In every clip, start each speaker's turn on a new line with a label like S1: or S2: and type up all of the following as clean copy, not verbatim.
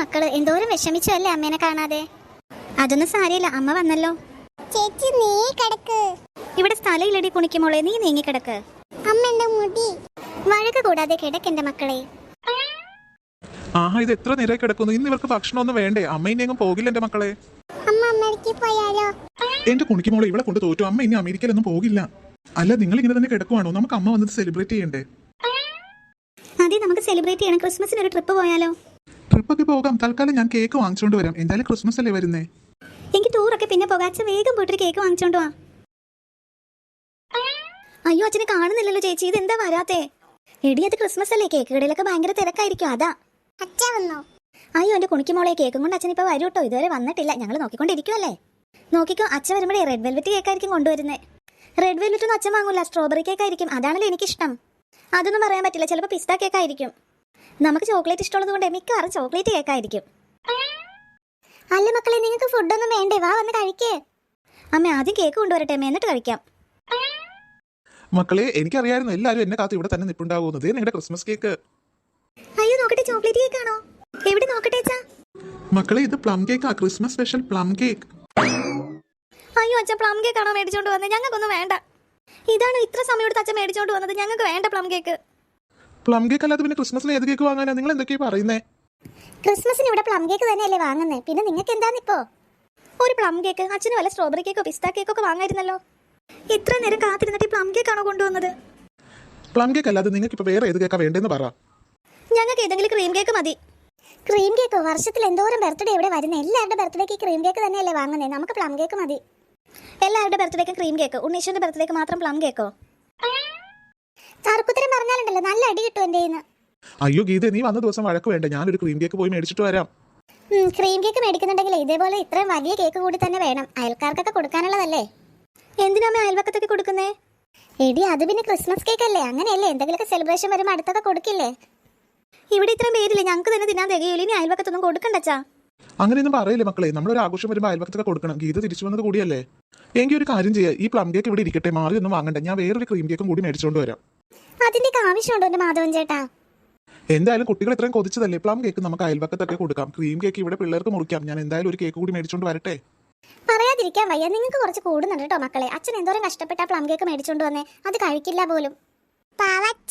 S1: മക്കള് എന്തോരം വിഷമിച്ചു അല്ലേ അമ്മേനെ കാണാതെ. അതൊന്നും സാരമില്ല, അമ്മ വന്നല്ലോ.
S2: ചേച്ചി നീ കിടക്ക്.
S1: ഇവിടെ സ്ഥലമില്ലടി കുണിക്കുമോളെ, നീ നീങ്ങി കിടക്ക്.
S2: അമ്മന്റെ മുടി.
S1: വഴക്ക് കൂടാതെ കിടക്കെന്റെ മക്കളെ.
S3: ആഹാ, ഇത് എത്ര നേരമായി കിടക്കുന്നു. ഇന്ന് ഇവർക്ക് ഭക്ഷണമൊന്നും വേണ്ടേ? അമ്മ ഇനി എങ്ങും പോകില്ല എന്റെ മക്കളെ.
S2: അമ്മ അമേരിക്കയിൽ പോയാലോ?
S3: എന്റെ കുണിക്കുമോളെ ഇവിടെ കൊണ്ട് തോറ്റു. അമ്മ ഇനി അമേരിക്കയിലൊന്നും പോകില്ല. അല്ല, നിങ്ങൾ ഇങ്ങനെ തന്നെ കിടക്കുവാണോ? നമുക്ക് അമ്മ വന്നത് സെലിബ്രേറ്റ് ചെയ്യണ്ടേ?
S1: അതെ, നമുക്ക് സെലിബ്രേറ്റ് ചെയ്യണം. ക്രിസ്മസിന് ഒരു ട്രിപ്പ് പോയാലോ?
S3: ട്രിപ്പൊക്കെ പോകാം. തൽക്കാലം ഞാൻ കേക്ക് വാങ്ങിച്ചോണ്ട് വരാം. എന്തായാലും ക്രിസ്മസ് അല്ലേ വരുന്നേ.
S1: എനിക്ക് ടൂറൊക്കെ പിന്നെ പോകാം. അച്ഛൻ വേഗം പോയിട്ടൊരു കേക്ക് വാങ്ങിച്ചോണ്ട് വാ. അയ്യോ, അച്ഛനെ കാണുന്നില്ലല്ലോ ചേച്ചി, ഇത് എന്താ വരാത്തെ? എടി, അത് ക്രിസ്മസ് അല്ലേ, കേക്ക് കടയിലൊക്കെ ഭയങ്കര തിരക്കായിരിക്കും, അതാ.
S2: അച്ഛൻ വന്നോ?
S1: അയ്യോ, എന്റെ കുണിക്കുമോളെ, കേക്കും കൊണ്ട് അച്ഛൻ ഇപ്പൊ വരൂ കേട്ടോ. ഇതുവരെ വന്നിട്ടില്ല, ഞങ്ങൾ നോക്കിക്കൊണ്ടിരിക്കുവല്ലേ. നോക്കിക്കോ, അച്ഛൻ വരുമ്പോഴേ റെഡ് വെൽവെറ്റ് കേക്കായിരിക്കും കൊണ്ടുവരുന്നത്. റെഡ് വെൽവെറ്റ് ഒന്നും അച്ഛൻ വാങ്ങൂല, സ്ട്രോബെറി കേക്കായിരിക്കും. അതാണല്ലോ എനിക്കിഷ്ടം. അതൊന്നും പറയാൻ പറ്റില്ല, ചിലപ്പോൾ പിസ്ത കേക്കായിരിക്കും. നമുക്ക് ചോക്ലേറ്റ് ഇഷ്ടമുള്ളത് കൊണ്ട് മിക്കവാറും ചോക്ലേറ്റ് കേക്കായിരിക്കും.
S2: അല്ല മക്കളെ, നിങ്ങൾക്ക് ഫുഡൊന്നും വേണ്ടേ? വാ, വന്ന് കഴിക്കേ.
S1: അമ്മ ആദ്യം കേക്ക് കൊണ്ടുവരട്ടെ, അമ്മ, എന്നിട്ട് കഴിക്കാം.
S3: മക്കളെ, എനിക്കറിയായിരുന്നു എല്ലാവരും എന്നെ കാത്ത് ഇവിടെ തന്നെ നിൽപ്പുണ്ടാകുന്നത്. നിങ്ങളുടെ ക്രിസ്മസ് കേക്ക്.
S1: അയ്യോ, നോക്കട്ടെ, ചോക്ലേറ്റ് കേക്കാണോ? എവിടെ നോക്കട്ടെ അച്ഛാ.
S3: മക്കളെ, ഇത് പ്ലം കേക്കാ, ക്രിസ്മസ് സ്പെഷ്യൽ പ്ലം കേക്ക്.
S1: അയ്യോ, അച്ഛൻ പ്ലം കേക്ക് ആണോ മേടിച്ചോണ്ട് വന്നത്? ഞങ്ങൾക്കൊന്നും വേണ്ട. ഇതാണ് ഇത്ര സമയം എടുത്ത് അച്ഛൻ മേടിച്ചോണ്ട് വന്നത്. ഞങ്ങൾക്ക് വേണ്ട പ്ലം കേക്ക്.
S3: പ്ലം കേക്ക് അല്ലാതെ പിന്നെ ക്രിസ്മസിന് ഏത് കേക്ക് വാങ്ങാനാ? നിങ്ങൾ എന്തൊക്കെയാ പറയുന്നേ?
S2: ക്രിസ്മസിന് ഇവിടെ പ്ലം കേക്ക് തന്നെയല്ലേ വാങ്ങുന്നേ, പിന്നെ നിങ്ങൾക്ക് എന്താന്നിപ്പോ?
S1: ഒരു പ്ലം കേക്ക്, അച്ഛന് വല്ല സ്ട്രോബെറി കേക്കോ പിസ്ത കേക്കോ ഒക്കെ വാങ്ങായിരുന്നല്ലോ. ഇത്ര നേരം കാത്തിരുന്നിട്ട് ഈ പ്ലം കേക്ക് ആണോ കൊണ്ടുവന്നത്?
S3: പ്ലം കേക്ക് അല്ലാതെ നിങ്ങൾക്ക് ഇപ്പൊ വേറെ ഏത് കേക്കാ വേണ്ടെന്ന് പറ.
S1: ഞങ്ങൾക്ക് ഏതെങ്കിലും ക്രീം കേക്ക് മതി.
S2: ക്രീം കേക്കോ? വർഷത്തിൽ എന്തോരം ബർത്ത്ഡേ ഇവിടെ വരുന്നത്. എല്ലാവരുടെ ബർത്ത്ഡേക്ക് ക്രീം കേക്ക് തന്നെയല്ലേ വാങ്ങുന്നത്. നമുക്ക് പ്ലം കേക്ക് മതി.
S1: എല്ലാവരുടെ ബർത്ത്ഡേക്കും ക്രീം കേക്ക്, ഉണ്ണീശ്വരന്റെ ബർത്ത്ഡേക്ക് മാത്രം പ്ലം കേക്കോ?
S2: തർക്കുത്തരം പറഞ്ഞാലുണ്ടല്ലോ, നല്ല അടി കിട്ടും എന്റെ കയ്യിന്ന്.
S3: അയ്യോ ഗീത, നീ വന്ന ദിവസം വഴക്ക് വേണ്ട. ഞാനൊരു ക്രീം കേക്ക് പോയി മേടിച്ചിട്ട് വരാം.
S2: ക്രീം കേക്ക് മേടിക്കുന്നുണ്ടെങ്കിൽ ഇതേപോലെ ഇത്രയും വലിയ കേക്ക് കൂടി തന്നെ വേണം. അയൽക്കാർക്കൊക്കെ കൊടുക്കാനുള്ളതല്ലേ.
S1: എന്തിനാമേ അയൽവക്കത്തൊക്കെ കൊടുക്കുന്നേ?
S2: എടി, അത് പിന്നെ ക്രിസ്മസ് കേക്ക് അല്ലേ, അങ്ങനെയല്ലേ. എന്തെങ്കിലുമൊക്കെ സെലിബ്രേഷൻ വരുമ്പോൾ അടുത്തൊക്കെ കൊടുക്കില്ലേ?
S1: ഇവിടെ ഇത്രയും പേരില്ലേ, ഞങ്ങൾക്ക് തന്നെ തിന്നാൻ തികയില്ല. ഇനി അയൽവക്കത്തൊന്നും കൊടുക്കണ്ടച്ചാ.
S3: അങ്ങനെയൊന്നും പറയില്ലേ മക്കളെ. നമ്മളൊരു ആഘോഷം വരുമ്പോൾ അയൽവക്കത്തൊക്കെ കൊടുക്കണം. ഗീത തിരിച്ചു വന്നത് കൂടിയല്ലേ. എങ്കിൽ ഒരു കാര്യം ചെയ്യാം, ഈ പ്ലം കേക്ക് ഇവിടെ ഇരിക്കട്ടെ, മാറി ഒന്നും വാങ്ങണ്ട. ഞാൻ വേറൊരു ക്രീം കേക്കും കൂടി മേടിച്ചുകൊണ്ട് വരാം.
S2: അതിന്റെ ആവശ്യമുണ്ടോ എന്റെ മാധവൻ ചേട്ടാ?
S3: എന്തായാലും കുട്ടികൾ ഇത്രയും കൊതിച്ചതല്ലേ, പ്ലം കേക്ക് നമുക്ക് അയൽവക്കത്തൊക്കെ കൊടുക്കാം. ക്രീം കേക്ക് ഇവിടെ പിള്ളേർക്ക് മുറിക്കാം. ഞാൻ എന്തായാലും ഒരു കേക്ക് കൂടി മേടിച്ചുകൊണ്ട് വരട്ടെ.
S2: പറയാതിരിക്കാൻ വയ്യ, നിങ്ങൾക്ക് കുറച്ച് കൂടുന്നുണ്ട് കേട്ടോ മക്കളെ. അച്ഛൻ എന്തോരം കഷ്ടപ്പെട്ട പ്ലം കേക്ക് മേടിച്ചോണ്ട് വന്നേ, അത് കഴിക്കില്ല പോലും. പാവച്ച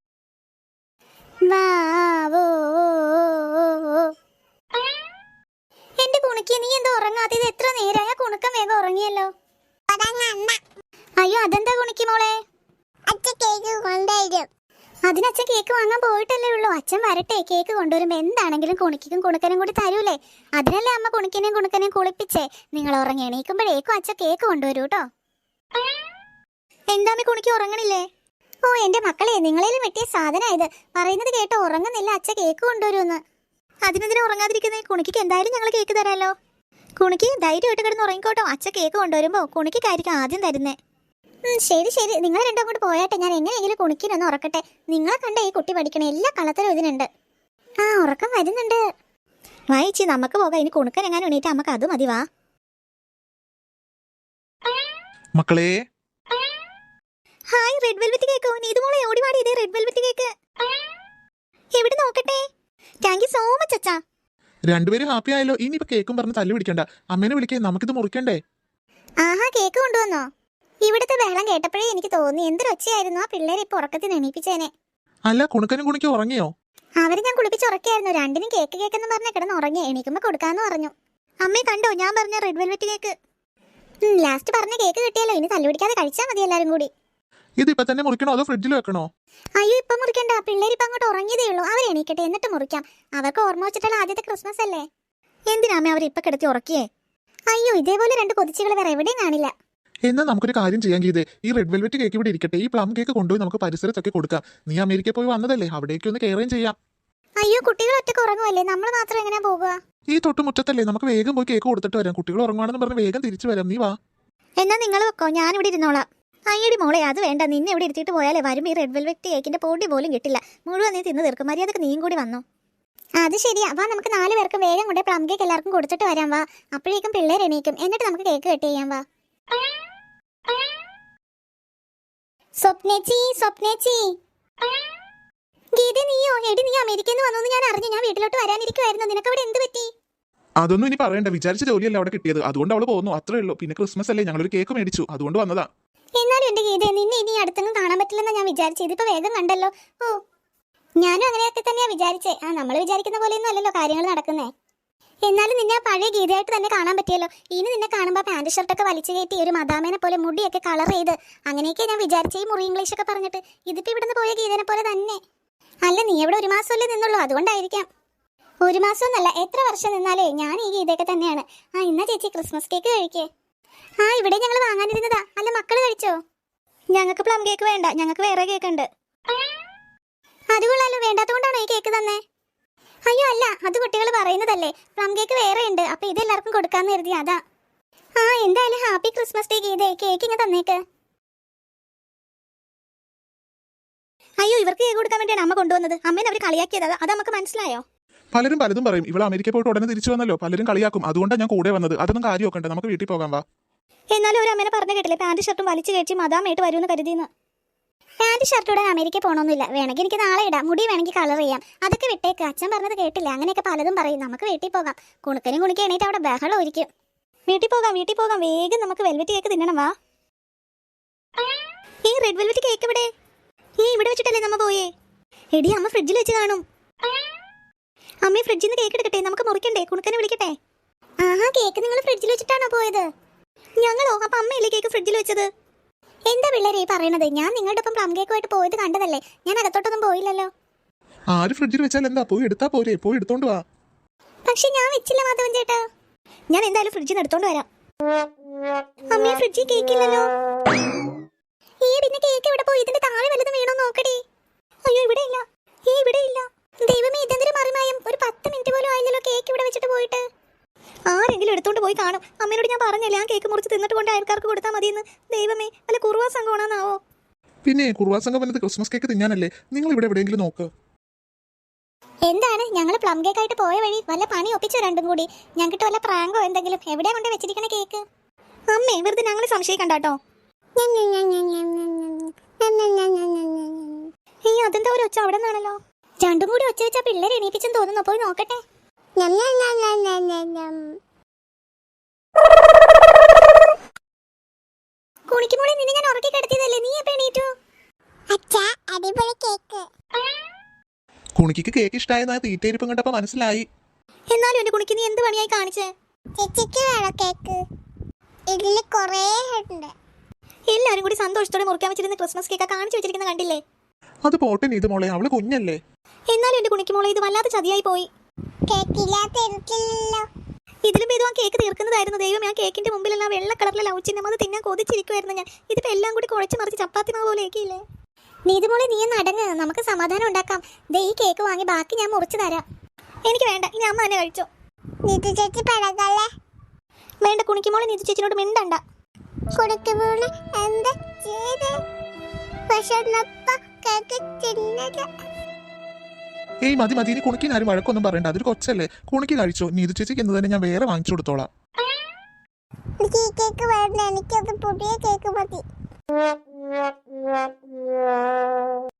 S2: എന്റെ കുണുക്കി, നീ എന്താ ഉറങ്ങാത്ത? ഇത് എത്ര നേരമായ? കുണുക്കം വേഗം ഉറങ്ങിയല്ലോ. അയ്യോ, അതെന്താ കുണിക്ക് മോളെ? അച്ഛൻ കേക്ക് കൊണ്ടുവരും. അതിനച്ഛൻ കേക്ക് വാങ്ങാൻ പോയിട്ടല്ലേ ഉള്ളൂ. അച്ഛൻ വരട്ടെ, കേക്ക് കൊണ്ടുവരുമ്പോ എന്താണെങ്കിലും കുണിക്കും കുണുക്കനും കൂടി തരൂലേ. അതിനല്ലേ അമ്മ കുണിക്കനെയും കുണുക്കനെയും കുളിപ്പിച്ചേ. നിങ്ങൾ ഉറങ്ങി എണീക്കുമ്പോഴേക്കും അച്ഛൻ കേക്ക് കൊണ്ടുവരൂ കേട്ടോ.
S1: എന്താമേ കുണിക്ക് ഉറങ്ങണില്ലേ?
S2: ഓ എന്റെ മക്കളെ, നിങ്ങളേലും വെട്ടിയ സാധനം ഇത്. പറയുന്നത് കേട്ടോ, ഉറങ്ങുന്നില്ല, അച്ഛൻ കേക്ക് കൊണ്ടുവരുമെന്ന്.
S1: അതിനെതിരെ ഉറങ്ങാതിരിക്കുന്നേ? കുണിക്ക് എന്തായാലും ഞങ്ങൾ കേക്ക് തരാലോ. കുണിക്ക് ധൈര്യമായിട്ട് കിടന്ന് ഉറങ്ങിക്കോട്ടോ. അച്ഛൻ കേക്ക് കൊണ്ടുവരുമ്പോ കുണിക്കായിരിക്കും ആദ്യം തരുന്നേ.
S2: ശരി ശരി, നിങ്ങൾ രണ്ടും അങ്ങോട്ട് പോയാട്ടെ. ഞാൻ എങ്ങനെയെങ്കിലും കുണിക്കിനൊന്ന് ഉറക്കട്ടെ. നിങ്ങളെ കണ്ട ഈ കുട്ടി പഠിക്കണ എല്ലാ കള്ളത്തരം ഇതിനുണ്ട്. ആ, ഉറക്കം വരുന്നുണ്ട്.
S1: വായിച്ചി, നമുക്ക് പോകാം. ഇനി കുണുക്കൻ എങ്ങാനും എണീറ്റ് നമുക്ക് അത് മതി. വാ
S3: മക്കളെ,
S1: ഹായ്, റെഡ് വെൽവെറ്റ് കേക്കോ? നീതുമോളെ ഓടി വാടി, ഇതേ റെഡ് വെൽവെറ്റ് കേക്ക്. എവിടെ നോക്കട്ടെ. താങ്ക് യു സോ മച്ച് അച്ഛാ.
S3: രണ്ടുപേരും ഹാപ്പി ആയല്ലോ. ഇനിയിപ്പോ കേക്കും പറഞ്ഞ് തല്ലു പിടിക്കണ്ട. അമ്മേനെ വിളിക്കേ, നമുക്കിത് മുറിക്കണ്ടേ.
S2: ആഹാ, കേക്ക് കൊണ്ടുവന്നോ? ഇവിടുത്തെ ബഹളം കേട്ടപ്പോഴേ എനിക്ക് തോന്നി എന്തൊരൊച്ചയായിരുന്നു. ആ പിള്ളേരെ ഇപ്പൊ ഉറക്കത്തിന് എണീപ്പിച്ചേനെ.
S3: അല്ല, കുണുക്കനും കുണിക്കും ഉറങ്ങിയോ?
S2: അവര് ഞാൻ കുളിപ്പിച്ച് ഉറക്കിയായിരുന്നു. രണ്ടിനും കേക്ക് കേക്കെന്ന് പറഞ്ഞ കിടന്ന് ഉറങ്ങി. എണീക്കുമ്പോ കൊടുക്കാന്ന് പറഞ്ഞു.
S1: അമ്മേ കണ്ടോ, ഞാൻ പറഞ്ഞ റെഡ് വെൽവെറ്റ് കേക്ക്.
S2: ലാസ്റ്റ് പറഞ്ഞ കേക്ക് കിട്ടിയല്ലോ. ഇനി തല്ലുപിടിക്കാതെ കഴിച്ചാൽ മതി എല്ലാരും കൂടി.
S3: ഇതിപ്പോ തന്നെ മുറിക്കണോ അതോ ഫ്രിഡ്ജിൽ വെക്കണോ?
S2: അയ്യോ, ഇപ്പൊ മുറിക്കണ്ട. പിള്ളേർ ഇപ്പൊ അങ്ങോട്ട് ഉറങ്ങിയതേ ഉള്ളൂ. അവർ എണീക്കട്ടെ, എന്നിട്ട് മുറിക്കാം. അവർക്ക് ഓർമ്മ വെച്ചിട്ടുള്ള ആദ്യത്തെ ക്രിസ്മസ് അല്ലേ.
S1: എന്തിനാമേ അവർ ഇപ്പൊ കിടത്തി ഉറക്കിയേ?
S2: അയ്യോ, ഇതേപോലെ രണ്ട് കൊതിച്ചുകൾ വേറെ എവിടെയും കാണില്ല.
S3: എന്നാൽ നമുക്കൊരു കാര്യം ചെയ്യാൻ ഗീതേ, ഈ റെഡ് വെൽവെറ്റ് കേക്ക് ഇവിടെ ഇരിക്കട്ടെ. ഈ പ്ലം കേക്ക് കൊണ്ടുപോയി നമുക്ക് പരിസരത്തൊക്കെ കൊടുക്കാം. നീ അമേരിക്കയിൽ പോയി വന്നതല്ലേ, അവിടേക്ക് ഒന്ന് കയറുകയും ചെയ്യാം.
S2: അയ്യോ, കുട്ടികൾ ഒറ്റക്ക് ഉറങ്ങുമല്ലേ, നമ്മൾ മാത്രം എങ്ങനെയാ പോകുക?
S3: ഈ തൊട്ടുമുറ്റത്തല്ലേ, നമുക്ക് വേഗം പോയി കേക്ക് കൊടുത്തിട്ട് വരാം. കുട്ടികൾ ഉറങ്ങുവാണെന്ന് പറഞ്ഞ് വേഗം തിരിച്ചു വരാം. നീ വാ.
S1: എന്നാ നിങ്ങൾ വെക്കോ, ഞാനിവിടെ ഇരുന്നോളാം. അയ്യടി മോളെ, അത് വേണ്ട. നിന്നെ ഇവിടെ ഇരുത്തിയിട്ട് പോയാലേ വരും ഈ റെഡ് വെൽവെറ്റ് കേക്കിന്റെ പൊടി പോലും കിട്ടില്ല. മുഴുവൻ നീ തിന്ന് തീർക്കും. മര്യാദക്ക് നീയും കൂടി വന്നോ.
S2: അത് ശരിയാ. വാ, നമുക്ക് 4 പേർക്ക് വേഗം കൊണ്ട് പ്ലം കേക്ക് എല്ലാവർക്കും കൊടുത്തിട്ട് വരാം. വാ, അപ്പോഴേക്കും പിള്ളേർ എണീക്കും. എന്നിട്ട് നമുക്ക് കേക്ക് കട്ട് ചെയ്യാം. വാ. സ്വപ്നേച്ചി, സ്വപ്നേച്ചി. ഗീത, നീയോ? എടി നീ അമേരിക്കയിൽ നിന്ന് വന്നു ഞാൻ അറിഞ്ഞു. ഞാൻ വീട്ടിലോട്ട് വരാനിരിക്കുവായിരുന്നു. നിനക്ക് അവിടെ എന്ത് പറ്റി?
S3: അതൊന്നും ഇനി പറയണ്ട, വിചാരിച്ച ജോലിയല്ല അവിടെ കിട്ടിയത്, അതുകൊണ്ട് അവള് പോകുന്നു, അത്രേ ഉള്ളൂ. പിന്നെ ക്രിസ്മസ് അല്ലേ, ഞങ്ങളൊരു കേക്ക് മേടിച്ചു, അതുകൊണ്ട് വന്നതാ.
S2: എന്നാലും എന്റെ ഗീത, നിന്നെ ഇനി അടുത്തൊന്നും കാണാൻ പറ്റില്ലെന്നാ ഞാൻ വിചാരിച്ചത്. ഇതിപ്പോ വേഗം കണ്ടല്ലോ. ഓ, ഞാനും അങ്ങനെയൊക്കെ തന്നെയാ വിചാരിച്ചേ. നമ്മൾ വിചാരിക്കുന്ന പോലെയൊന്നും അല്ലല്ലോ കാര്യങ്ങൾ നടക്കുന്നേ. എന്നാലും നിന്നെ ആ പഴയ ഗീതയായിട്ട് തന്നെ കാണാൻ പറ്റിയല്ലോ. ഇനി നിന്നെ കാണുമ്പോൾ പാന്റ് ഷർട്ടൊക്കെ വലിച്ചു കയറ്റി ഒരു മദാമേനെ പോലെ മുടിയൊക്കെ കളർ ചെയ്ത് അങ്ങനെയൊക്കെ ഞാൻ വിചാരിച്ചേ, ഈ മുറി ഇംഗ്ലീഷ് ഒക്കെ പറഞ്ഞിട്ട്. ഇതിപ്പോ ഇവിടുന്ന് പോയ ഗീതനെ പോലെ തന്നെ. അല്ല, നീ ഇവിടെ 1 മാസമല്ലേ നിന്നുള്ളൂ, അതുകൊണ്ടായിരിക്കാം. 1 മാസം എന്നല്ല, എത്ര വർഷം നിന്നാലേ ഞാൻ ഈ ഗീതയൊക്കെ തന്നെയാണ്. ഇന്നാ ചേച്ചി ക്രിസ്മസ് കേക്ക് കഴിക്കേ. ഇവിടെ ഞങ്ങൾ വാങ്ങാനിരുന്നതാ. അല്ല, മക്കള് കഴിച്ചോ?
S1: ഞങ്ങൾക്ക് പ്ലം കേക്ക് വേണ്ട, ഞങ്ങൾക്ക് വേറെ കേക്ക് ഉണ്ട്.
S2: അത് കൊള്ളാലോ, വേണ്ടാത്തതുകൊണ്ടാണോ ഈ കേക്ക് തന്നെ? അയ്യോ അല്ല, അത് കുട്ടികൾ പറയുന്നതല്ലേ. പ്ലം കേക്ക് വേറെ ഉണ്ട്, അപ്പൊ ഇത് എല്ലാവർക്കും കൊടുക്കാന്ന് കരുതി, അതാ. എന്തായാലും ഹാപ്പി ക്രിസ്മസ് ഡേ ഗീതേ. കേക്ക് ഇങ്ങനെ തന്നേക്ക്.
S1: അയ്യോ, ഇവർക്ക് കേക്ക് കൊടുക്കാൻ വേണ്ടിയാണ് അമ്മ കൊണ്ടുവന്നത്. അമ്മേനെ അവർ കളിയാക്കിയത്, അത് നമുക്ക് മനസ്സിലായോ?
S3: പലരും പലതും പറയും. ഇവൾ അമേരിക്ക പോയിട്ട് ഉടനെ തിരിച്ചു വന്നല്ലോ, പലരും കളിയാക്കും, അതുകൊണ്ടാണ് ഞാൻ കൂടെ വന്നത്. അതൊന്നും കാര്യമൊക്കെ ഉണ്ട്, നമുക്ക് വീട്ടിൽ പോകാൻ വാ.
S1: എന്നാലും ഒരു അമ്മേനെ പറഞ്ഞു കേട്ടില്ലേ, പാന്റ് ഷർട്ടും വലിച്ചു കഴിച്ച് മദാമായിട്ട് വരുമെന്ന് കരുതിയെന്ന്.
S2: Pant ഷർട്ടോടെ America പോകണമെന്നില്ല. വേണമെങ്കിൽ എനിക്ക് നാളെ ഇടാം, മുടി വേണമെങ്കിൽ കളർ ചെയ്യാം. അതൊക്കെ വിട്ടേക്ക്. അച്ഛൻ പറഞ്ഞത് കേട്ടില്ല. അങ്ങനെയൊക്കെ പലതും പറയും. നമുക്ക് വീട്ടിൽ പോകാം. കുണുക്കനും കുണിക്ക് എണീറ്റ് അവിടെ ബഹളം ഒരിക്കും.
S1: വീട്ടിൽ പോകാം, വേഗം നമുക്ക് വെൽവെറ്റ് കേക്ക് തിന്നണം, വാ. ഈ റെഡ് വെൽവെറ്റ് കേക്ക് ഇവിടെ ഇവിടെ വെച്ചിട്ടല്ലേ നമ്മ പോയേ? എടി, അമ്മ ഫ്രിഡ്ജിൽ വെച്ച് കാണും. അമ്മയെ ഫ്രിഡ്ജിൽ നിന്ന് കേക്ക് എടുക്കട്ടെ, നമുക്ക് മുറിക്കണ്ടേ? കുണുക്കനെ വിളിക്കട്ടെ.
S2: കേക്ക് നിങ്ങൾ ഫ്രിഡ്ജിൽ വെച്ചിട്ടാണോ പോയത്?
S1: ഞങ്ങളോ? അപ്പൊ അമ്മയല്ലേ കേക്ക് ഫ്രിഡ്ജിൽ വെച്ചത്?
S2: എന്താ പിള്ളേരെ ഈ പറയണത്? ഞാൻ നിങ്ങളുടെ ഒപ്പം പ്ലം കേക്കുമായിട്ട് പോയത് കണ്ടതല്ലേ. ഞാൻ അകത്തോട്ടൊന്നും പോയില്ലല്ലോ.
S3: ആര് ഫ്രിഡ്ജിൽ വെച്ചാൽ എന്താ, പോയി എടുത്താ പോരെ, പോയി എടുത്തോണ്ട് വാ.
S2: പക്ഷെ ഞാൻ വെച്ചില്ല മാധവൻ ചേട്ടാ.
S1: ഞാൻ എന്തായാലും ഫ്രിഡ്ജിൽ നിന്ന് എടുത്തോണ്ട് വരാം. അമ്മയെ ഫ്രിഡ്ജിൽ കേക്കില്ലല്ലോ.
S2: പിന്നെ കേക്ക് ഇവിടെ പോയി? ഇതിന്റെ താഴെ വല്ലതും വീണോ നോക്കടി.
S1: അയ്യോ, ഇവിടെ ഇല്ല.
S2: ദൈവമേ, ഇതെന്തൊരു മറിമായം. ഒരു 10 മിനിറ്റ് പോലും ആയില്ലല്ലോ കേക്ക് ഇവിടെ വെച്ചിട്ട് പോയിട്ട്.
S1: ആരെങ്കിലും എടുത്തോണ്ട് പോയി കാണും. അമ്മയോട് ഞാൻ പറഞ്ഞല്ലേ ആ കേക്ക് മുറിച്ച് തിന്നിട്ട് കൊണ്ട് അയൽക്കാർക്ക് കൊടുത്താൽ മതിയെന്ന്. ദൈവമേ, വല്ല കുറുവാ സംഘമാണെന്നാവോ?
S3: പിന്നെ കുറുവാ സംഘം വന്നത് ക്രിസ്മസ് കേക്ക് തിന്നാനല്ലേ. നിങ്ങൾ ഇവിടെ എവിടെയെങ്കിലും നോക്ക്.
S2: എന്താണ്, ഞങ്ങൾ പ്ലം കേക്കായിട്ട് പോയ വഴി വല്ല പണി ഒപ്പിച്ചോ രണ്ടും കൂടി? ഞങ്ങൾക്ക് വല്ല പ്രാങ്കോ എന്തെങ്കിലും? എവിടെയാ കൊണ്ട് വെച്ചിരിക്കണ കേക്ക്?
S1: അമ്മേ, വെറുതെ ഞങ്ങളെ സംശയിക്കണ്ടാട്ടോ. അതെന്താ ഒരു ഒച്ച അവിടെ നിന്നാണല്ലോ?
S2: രണ്ടും കൂടി ഒച്ച വെച്ചാ പിള്ളേർ എണീപ്പിച്ചെന്ന് തോന്നുന്നു. പോയി നോക്കട്ടെ. കുണിക്കുമോളെ, നിന്നെ ഞാൻ ഉറക്കി കിടത്തിയതല്ലേ, നീ എപ്പോ എണീറ്റു? അച്ഛാ, അടിപൊളി കേക്ക്.
S3: കുണിക്ക് കേക്ക് ഇഷ്ടമായെന്നാ തീറ്റയിരിപ്പം കണ്ടപ്പോ മനസ്സിലായി.
S1: എന്നാലും എന്റെ കുണിക്ക് നീ എന്ത് പണിയായി കാണിച്ചേ?
S2: ചേച്ചിക്ക് വേണം കേക്ക്. ഇതില് കൊറേ ഉണ്ട്.
S1: എല്ലാരും കൂടി സന്തോഷത്തോടെ മുറിക്കാൻ വെച്ചിരുന്ന ക്രിസ്മസ് കേക്ക് കാണിച്ചു വെച്ചിരിക്കുന്ന കണ്ടില്ലേ?
S3: അത് പോട്ടെ നീത് മോളെ, അവള് കുഞ്ഞല്ലേ.
S1: എന്നാലും എന്റെ കുണിക്ക് മോളെ, ഇത് വല്ലാത്ത ചതിയായി പോയി. ഇതിലും ഭേദം ആ കേക്ക് തീർക്കുന്നതായിരുന്നു. ദൈവം, ആ കേക്കിന്റെ മുമ്പിലെല്ലാം വെള്ള കളറിലെ ലവ് ചിഹ്നം, അത് തിന്നാൻ കൊതിച്ചിരിക്കുവായിരുന്നു ഞാൻ. ഇതിപ്പോ എല്ലാം കൂടി കുഴച്ച് മറിച്ച് ചപ്പാത്തി മാവ് പോലെ ഏക്കിയില്ലേ?
S2: നീതുമോളെ, നീ നടങ്ങ്, നമുക്ക് സമാധാനം ഉണ്ടാക്കാം. ഈ കേക്ക് വാങ്ങി ബാക്കി ഞാൻ മുറിച്ചു തരാം.
S1: എനിക്ക് വേണ്ട, ഇനി അമ്മ തന്നെ കഴിച്ചോ.
S2: നീതു ചേച്ചി പഴകല്ലേ?
S1: വേണ്ട കുണിക്കുമോളെ, നീതു ചേച്ചിനോട് മിണ്ടണ്ട.
S2: കുണിക്കുമോളെ എന്താ ചെയ്ത്? കേക്ക് തിന്നത്.
S3: ഏയ് മതി മതി, ഇനി കുണിക്കിന് ആരും വഴക്കൊന്നും പറയണ്ട, അതൊരു കൊച്ചല്ലേ. കുണിക്ക് കഴിച്ചോ. നീതു ചേച്ചിക്ക് എന്ന് തന്നെ ഞാൻ വേറെ വാങ്ങിച്ചു കൊടുത്തോളാം.
S2: ഈ കേക്ക് വേണ്ട, എനിക്കത് പുതിയ കേക്ക് മതി.